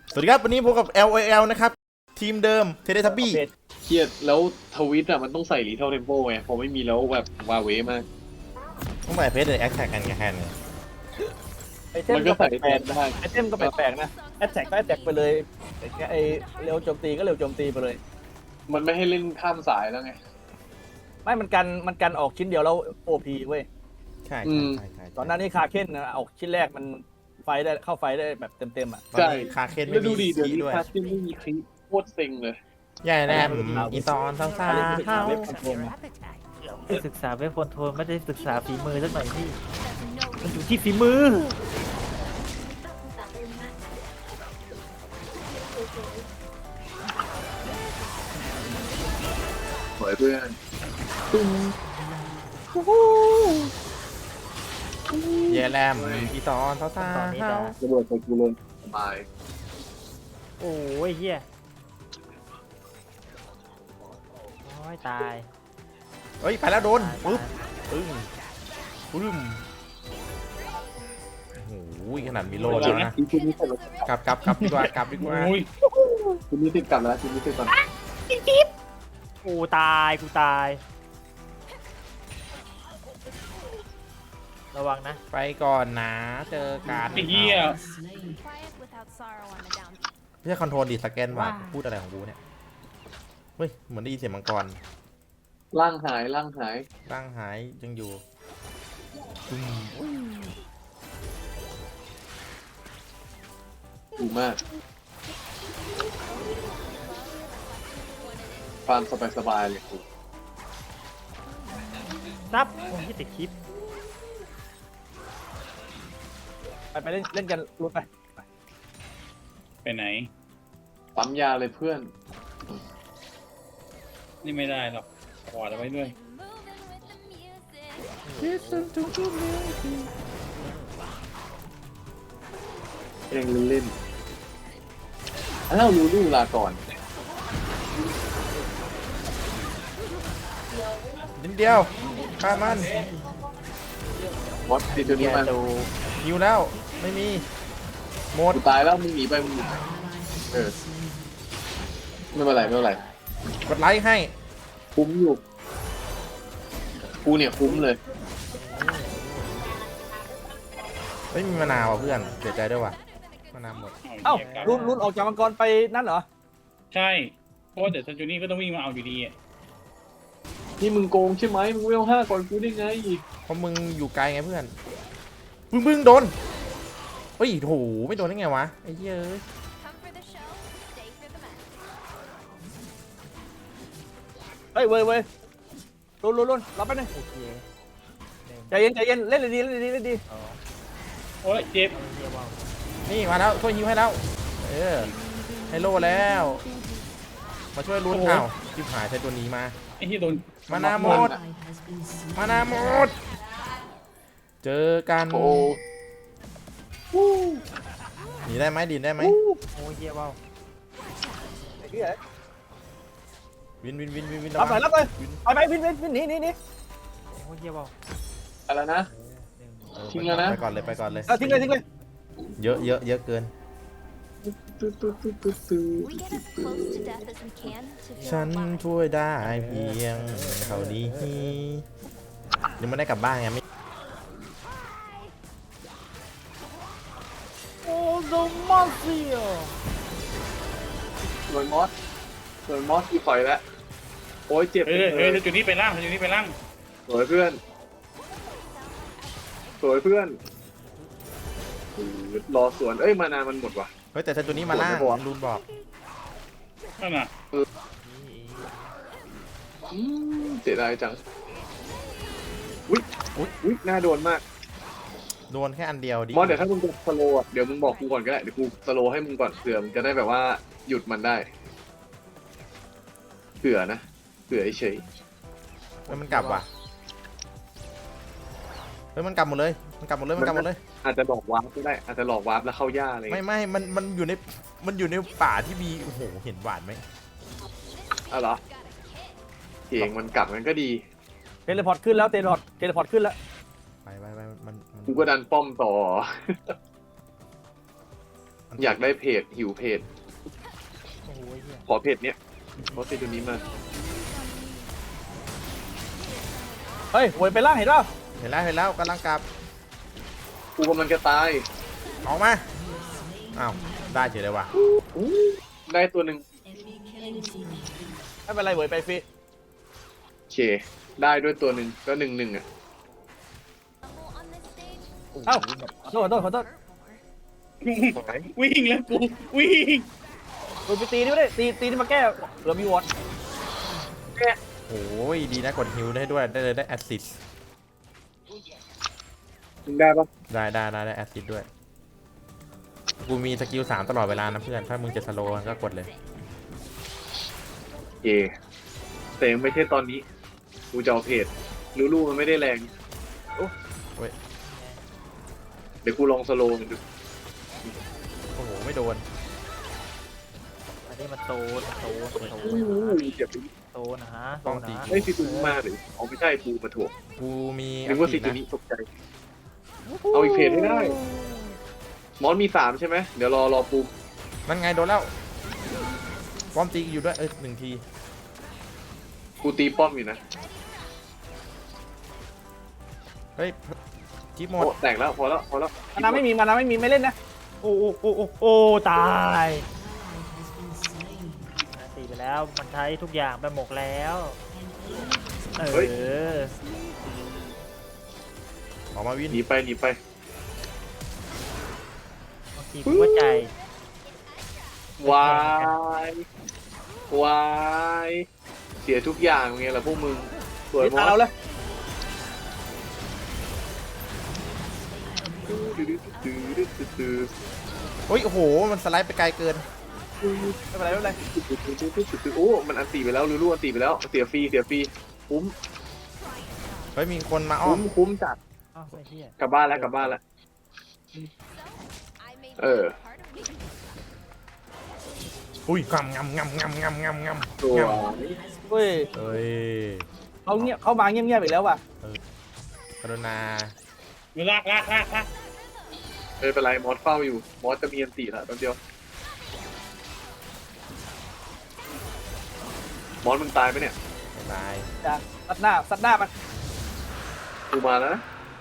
สวัสดีครับวันนี้พบกับ LOL นะครับทีมเดิมเทเลทับบี้เครียดแล้วทวิตอ่ะมันต้องใส่รีเทลเทมโปไงพอไม่มีแล้วแบบวาเวมากต้องใส่เพจเลยแอคแท็กกันแค่นี้ไอเทมมันก็ก็แปใส่แทลนกได้ๆไอเทมก็แปลกๆนะแอตแทกก็แอตแทกไปเลยไอเร็วโจมตีก็เร็วโจมตีไปเลยมันไม่ให้เล่นข้ามสายแล้วไงไม่มันกันออกชิ้นเดียวแล้วโอพีเว้ยใช่อืมใช่ใช่ตอนนั้นนี่คาเค้นนะออกชิ้นแรกมันไฟได้เข้าไฟได้แบบเต็มๆอ่ะตอนนี้คาเคนไม่แล้วดูมีดิเดี๋ยวคีนี้ด้วยคาสตินไม่มีคลิปโคตรเซ็งเลยใหญ่แรมอีซอนซาซาเฮาเว็บคอนโทรลนะศึกษาเว็บคอนโทรลไม่ได้ศึกษาฝีมือสักหน่อยพี่มันอยู่ที่ฝีมือสวยเพื่อนใหญ่แรมอีซอนซาซาเฮาระเบิดใส่กูเลยสบายโอ้ยเฮียโอ้ยตายเฮ้ยไปแล้วโดนตายปึ๊บปึ้งปึ้มโอ้โหขนาดมีโล่แล้วนะทีนี้เสร็จแล้วกลับดีกว่ากลับดีกว่าทีนี้ติดกลับแล้วทีนี้ติดกลับกูตายกูตายระวังนะไปก่อนนะเจอกันไอ้เหี้ย Quiet without sorrow on the down. ไม่ใช่คอนโทรลดิสแกนว่ะพูดอะไรของกูเนี่ยเฮ้ยเหมือนได้ยินเสียงมังกรร่างหายร่างหายร่างหายยังอยู่ปึ้มดูมากฟาร์มสบายๆเลยกูซับผมที่ติดคลิปไปเล่นกันรุดไปไปไหนปั๊มยาเลยเพื่อนนี่ไม่ได้หรอกขวาดเอาไว้ด้วยเองเล่นๆอ้าวลูลูลาก่อนนิดเดียวฆ่ามันมอสติดตัวนี้มันหิวแล้วไม่มีหมดกูตายแล้วมึงหนีไปมึงหนีไปไม่เป็นไรไม่เป็นไรกดไลค์ให้คุ้มอยู่กูเนี่ยคุ้มเลยไม่มีมะนาวอ่ะเพื่อนเสียใจด้วยว่ะมะนาวหมดเอ้ารุนออกจากมังกรไปนั่นเหรอใช่ เพราะว่าเดี๋ยวซันจูนี่ก็ต้องวิ่งมาเอาอยู่ดีอะนี่มึงโกงใช่ไหมมึงไม่เอา5ก่อนกูได้ไงเพราะมึงอยู่ไกลไงเพื่อนบึ้งโดนเฮ้ยโหไม่โดนได้ไงวะไอ้เหี้ยเอ้ย Come for the show, stay for the match. เฮ้ยเว้ยรุนรับไปหน่อยโอเคใจเย็นเล่นเลยดีเล่นดีโอ้ยเจ็บเฮียว่าวนี่มาแล้วช่วยฮิวให้แล้วเออให้โลแล้วมาช่วยลุ้นข่าวชิบหายใช้ตัวนี้มาไอ้ที่โดนมานาวหมดมานาวหมดเจอกันโอ้หนีได้ไหมดินได้ไหมโอ้ยเฮียว่าวไอ้เหี้ยวินรับหน่อยรับเลยไปวินหนีโอ้ยเฮียว่าวอะไรนะ ทิ้งแล้วนะไปก่อนเลยทิ้งเลยเยอะเกิน We get as close to death as we can to ฉัน feel alive. ช่วยได้เพียงเท่านี้ยังไม่ได้กลับบ้านไงไม่โอ้โดมาเซียโดนมอสอีกต่อยแล้วโอ้ยเจ็บเฮ้ยซันจูนี่ไปล่างซันจูนี่ไปล่างสวยเพื่อนรอสวนเอ้ยมานานมันหมดว่ะเฮ้ยแต่ฉันตัวนี้มาล่างโดนไม่พอรุนบอกนั่นน่ะเสียดายจังอุ๊ยน่าโดนมากโดนแค่อันเดียวดิมอสเดี๋ยวถ้ามึงจะสโลว์อะเดี๋ยวมึงบอกกูก่อนก็ได้เดี๋ยวกูสโลว์ให้มึงก่อนเผื่อมึงจะได้แบบว่าหยุดมันได้เผื่อเฉยเฮ้ยมันกลับว่ะเฮ้ยมันกลับหมดเลยมันกลับหมดเลยอาจจะหลอกวาร์ปก็ได้อาจจะหลอกวาร์ปแล้วเข้าย่าอะไรไม่มันอยู่ในป่าที่มีโอ้โหเห็นหวานไหมอ๋อเหรอเก่งมันกลับมันก็ดีเทเลพอร์ตขึ้นแล้วเทเลพอร์ตขึ้นแล้วไปมันกูก็ดันป้อมต่ออยากได้เพจหิวเพจโอ้โหเหี้ยขอเพจเนี้ยขอเพจตัวนี้มาเฮ้ยโวยไปล่างเห็นป่ะเห็นแล้วกำลังกลับกูกำลังจะตายออกมาอ้าวได้เฉยเลยว่ะได้ตัวหนึ่งไม่เป็นไรโวยไปฟรีโอเคได้ด้วยตัวหนึ่งก็1-1อ่ะ Level on this stage. เอ้าขอโทษวิ่งแล้วกูวิ่งโวยไปตีนี่ไม่ได้ตีนี่มาแก้เหลือมีวอตโอ้ยดีนะกดฮิวได้ด้วยได้แอสซิดมึงได้ปะได้แอสซิดด้วยกูมีสกิล3ตลอดเวลานะเพื่อนถ้ามึงจะสโลว์ก็กดเลยโอเคแต่ยังไม่ใช่ตอนนี้กูจะเอาเพจลูมันไม่ได้แรงโอ้ยเดี๋ยวกูลองสโลว์มันดูโอ้โหไม่โดนอันนี้มันโซนเจ็บโซนนะฮะโซต้องนตีนะไอ้ยซีตูมาหรืออ๋อไม่ใช่ปูมาถ่วงกูมีนึกว่าซีตูนะนี้ตกใจเอาอีกเพจให้ได้มอนมี3ใช่ไหมเดี๋ยวรอปูนั่นไงโดนแล้วป้อมตีอยู่ด้วย1 ทีกูตีป้อมอยู่นะเฮ้ยจิ๊บหมดโอ้แตกแล้วพอแล้วมานาไม่มีไม่เล่นนะโอ้ตายตีไปแล้วมันใช้ทุกอย่างไปหมกแล้วเออออกมาวินหนีไปบางทีกูว่าใจวายวายเสียทุกอย่างไงล่ะพวกมึงสวยนี่มตาอเราสเลยโอ้ยโอ้โหมันสไลด์ไปไกลเกินไม่เป็นไรโอ้มันอันตีไปแล้วรู้อันตีไปแล้วเสียฟรีคุ้มเฮ้ยมีคนมาอ้อมคุ้มจัดอ้าวไอ้เหี้ยกลับบ้านแล้ว I made Oh. you part of me. อุ้ยงำตัวเฮ้ยเฮ้ยเขามาเงียบๆอีกแล้วว่ะกรุณาลากไม่เป็นไรมอสเฝ้าอยู่มอสจะมีอันตีแล้วแป๊บเดียวมอสมึงตายไปเนี่ยตายจ้าซัดหน้ามันกูมาแล้วนะ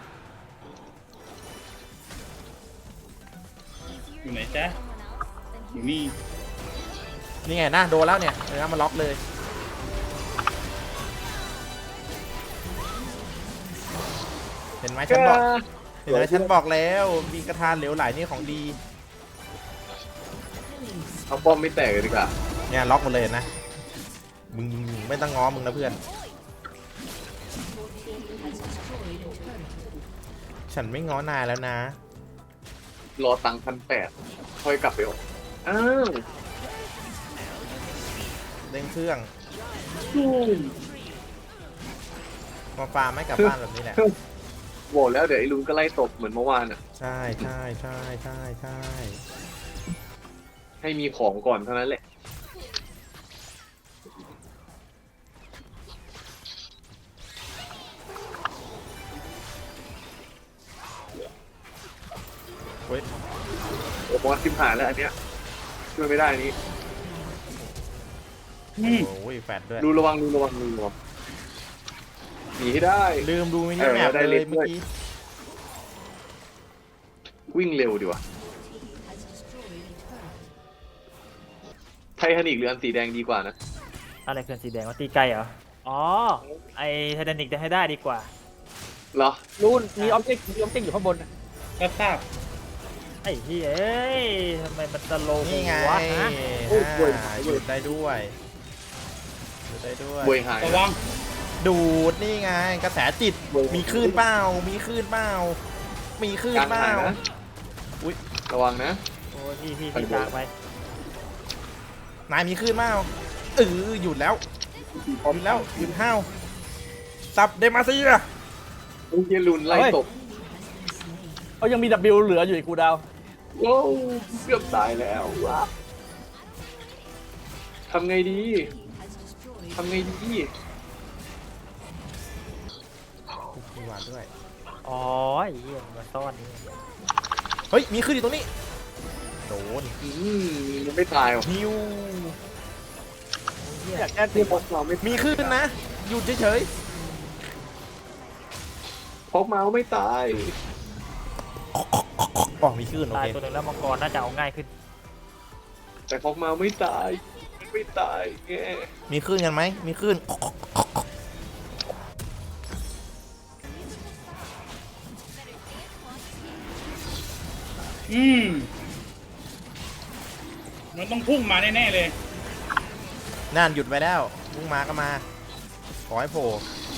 Easier อยู่ไหน to จ๊ะ be someone else than อยู่นี่นี่ไงนะโดนแล้วเนี่ยมาล็อกเลย เห็นไหมฉันบอกแล้วมีกระทานเหลวไหลนี่ของดีเอาป้อมไม่แตกเลยดีกว่าเนี่ยล็อกหมดเลยเห็นนะมึงไม่ต้องง้อมึงนะเพื่อน ฉันไม่ง้อนายแล้วนะรอตังค์1,800ค่อยกลับไปออกอ้าวเร่งเครื่องมาฟาร์มไม่กลับบ้านแบบนี้แหละบอกแล้วเดี๋ยวไอ้ลุงก็ไล่ตบเหมือนเมื่อวานอ่ะใช่ให้มีของก่อนเท่านั้นแหละเว้ยโอ้โหทิมหายแล้วอันเนี้ยช่วยไม่ได้อันนี้โอ้ยแฟดด้วยดูระวังหนีให้ได้ลืมดูมินิแมปได้เลเล่ยนด้วยเมื่อกี้วิ่งเร็วดีว่ะไททานิกหรืออันสีแดงดีกว่านะอะไรเกินสีแดงว่าตีไกลเหรออ๋อไอไททานิกจะให้ได้ดีกว่าเหรอรูนมีออบเจกต์อยู่ข้างบนก็ทราบไอ้เฮ้ยเอ้ยทำไมมันสโลว์นี่ไงวะฮะหยุดได้ด้วยบวยหายระวังดูดนี่ไงกระแสจิตมีคลื่นเปล่ามีคลื่นเปล่ากลางหายนะอุ๊ยระวังนะโอ้ยพี่ตากไปนายมีคลื่นเปล่าหยุดแล้วหยุดห้าวซับเดมาซีอะโอ้ยลุนไล่ตบเขายังมี W เหลืออยู่อีกกูดาวโอ้เกือบตายแล้วทำไงดีมีหวานด้วยอ๋อไอ้เหี้ยมันซ่อนนี่เฮ้ยมีคลื่นอยู่ตรงนี้โดนมันไม่ตายหรอกฮิวอยากแก้ตีที่พกเมาไม่มีขึ้นนะ หยุดเฉยพกเมาไม่ตายๆอ๋อมีขึ้นโอตายเคตัวหนึ่งแล้วมังกรน่าจะเอาง่ายขึ้นแต่พกเมาไม่ตายไม่ตายแงมีขึ้นกันไหมมีขึ้นอืมมันต้องพุ่งมาแน่ๆเลยนั่นหยุดไปแล้วพุ่งมาก็มา ขอให้โผล่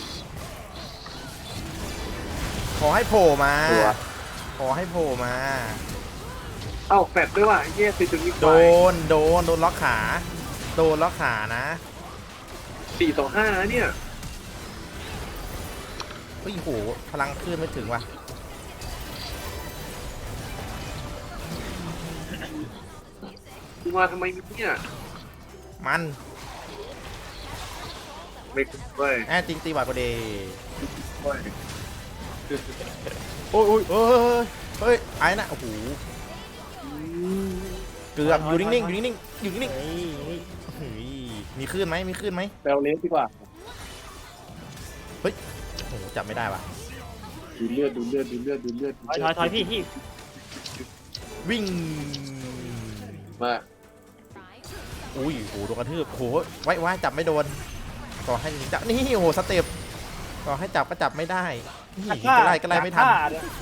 ขอให้โผล่มา ขอให้โผล่มาเอ้าแฟดด้วยว่ะไอ้เหี้ยติดจุดนี้โดนล็อกขา โดนล็อกขานะ 4-5นะเนี่ยเฮ้ยโหพลังขึ้นไม่ถึงว่ะกูมาทำไมเนี่ยมันไม่คุ้มเว้ยแอจริงตีบาดก็เดเว้ยโอ้ยเฮ้ยไอ้น่ะโอ้โหเกือบอยู่นิ่งๆอยู่นิ่งๆอยู่นิ่งเฮ้ยเฮ้ยๆเฮ้ยมีขึ้นไหมมีขึ้นไหมแปลเลสดีกว่าโอ้โหจับไม่ได้ว่ะดูเลือดถอยพี่วิ่งมาอุ้ยโหโดนกระทืบโหไว้จับไม่โดนต่อให้จับนี่โหสเต็ปต่อให้จับก็จับไม่ได้นี่ก็ไล่ไม่ทัน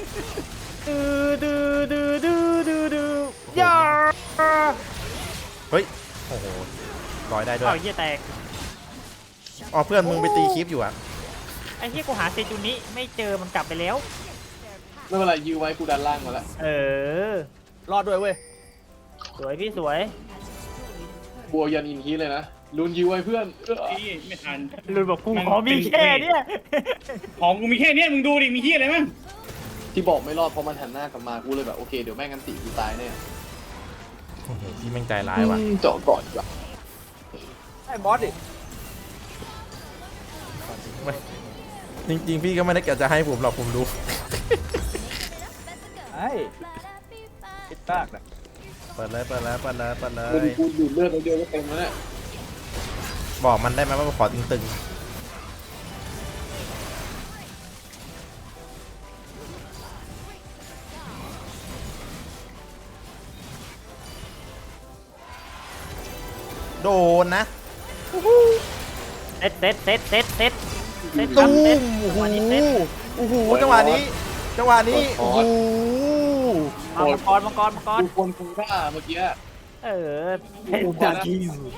ดูย่าเฮ้ยโอ้โหลอยได้ด้วยเอาเหี้ยแตกอ๋อเพื่อนมึงไปตีคลิปอยู่อะไอ้เหี้ยกูหาเซจูนิไม่เจอมันกลับไปแล้วไม่เป็นไรยื้อไว้กูดันล่างมาแล้วเออรอดด้วยเว้ยสวยพี่สวยกลัวยันอินทีเลยนะลุนยื้อไว้เพื่อนพี่ไม่ทันลุนบอกกูขอมีแค่เนี้ยของกูมีแค่เนี้ยมึงดูดิมีที่อะไรมั้งที่บอกไม่รอดเพราะมันหันหน้ากลับมากูเลยแบบโอเคเดี๋ยวแม่งกันตีกูตายแน่โอ้โหพี่แม่งใจร้ายว่ะเจาะก่อนดีกว่าไอ้บอสดิจริงๆพี่ก็ไม่ได้เกี่ยวจะให้ผมหรอกผมรู้ไอ้คิดมากนะเปิดเลยลุนกูดูดเลือดไปเดียวก็เต็มแล้วเนี่ยบอกมันได้ไหมว่าขอตึงๆโดนนะเซ็ตตุ้เซ็ตมโอ้โหวันนี้เซ็ตโอ้โหจังหวะนี้โอ้โหเอามังกรดูคนคูร่าเมื่อกี้เออเป็นจากที่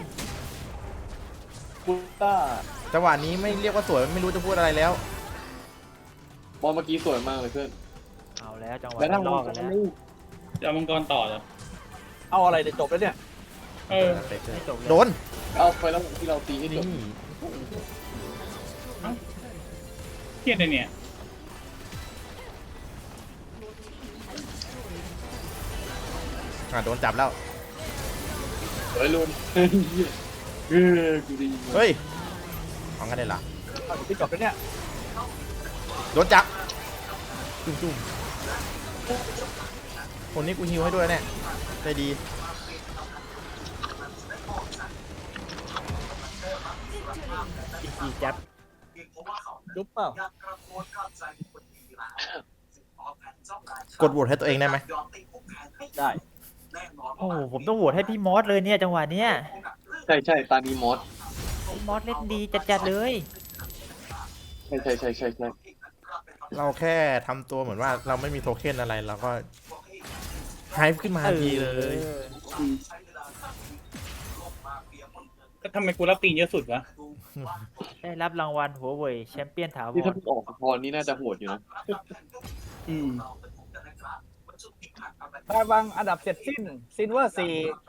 คูร่าจังหวะนี้ไม่เรียกว่าสวยไม่รู้จะพูดอะไรแล้วบอลเมื่อกี้สวยมากเลยเพื่อนเอาแล้วจังหวะแล้วถ้าลอกกันแล้วจะเอามังกรต่อเหรอเอาอะไรเดี๋ยวจบแล้วเนี่ยเออไม่จบเลยโดนเอาไปแล้วที่เราตีให้จนี่บเครียดเลยเนี่ยโดนจับแล้วเฮ้ยลุนกูดีเฮ้ยของกันได้เหรอเอาที่จบแล้วเนี่ยโดนจับจุ่มคนนี้กูฮิวให้ด้วยเนี่ยใจดีอีกจับจุ๊บเปล่ากดโหวตให้ตัวเองได้ไหมได้โอ้โหผมต้องโหวตให้พี่มอสเลยเนี่ยจังหวะเนี้ยใช่ตานีมอสพี่มอสเล่นดีจัดๆเลยใช่เราแค่ทำตัวเหมือนว่าเราไม่มีโทเค็นอะไรเราก็ไฮป์ขึ้นมาทันทีเลยก็ทำไมกูรับตีนเยอะสุดวะได้รับรางวัลหัวเว่ยแชมเปี้ยนถาวนี่ถ้าร มึงออกพรนี่น่าจะโหดอยู่นะถ้าวางอันดับเสร็จสิ้นซินเวอร์4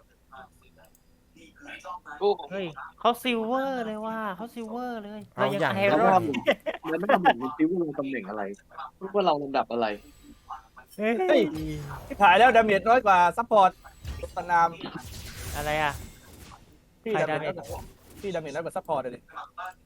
โอ้เฮ้ยเขาซิลเวอร์เลยว่าเขาซิลเวอร์เลยเอาอย่างไอแล้วรอว่าน แล้วไม่ทำเหมือนมันคิดว่าเราตำแหน่งอะไรว่าเราลำดับอะไรเฮ้เฮ้ยย ที่ถ่ายแล้วดาเมจน้อยกว่าซัพพอร์ตตนามอะไรอ่ะพี่ใครดาเมจ damage พี่ดาเมจน้อยกว่าซัพพอร์ตเลย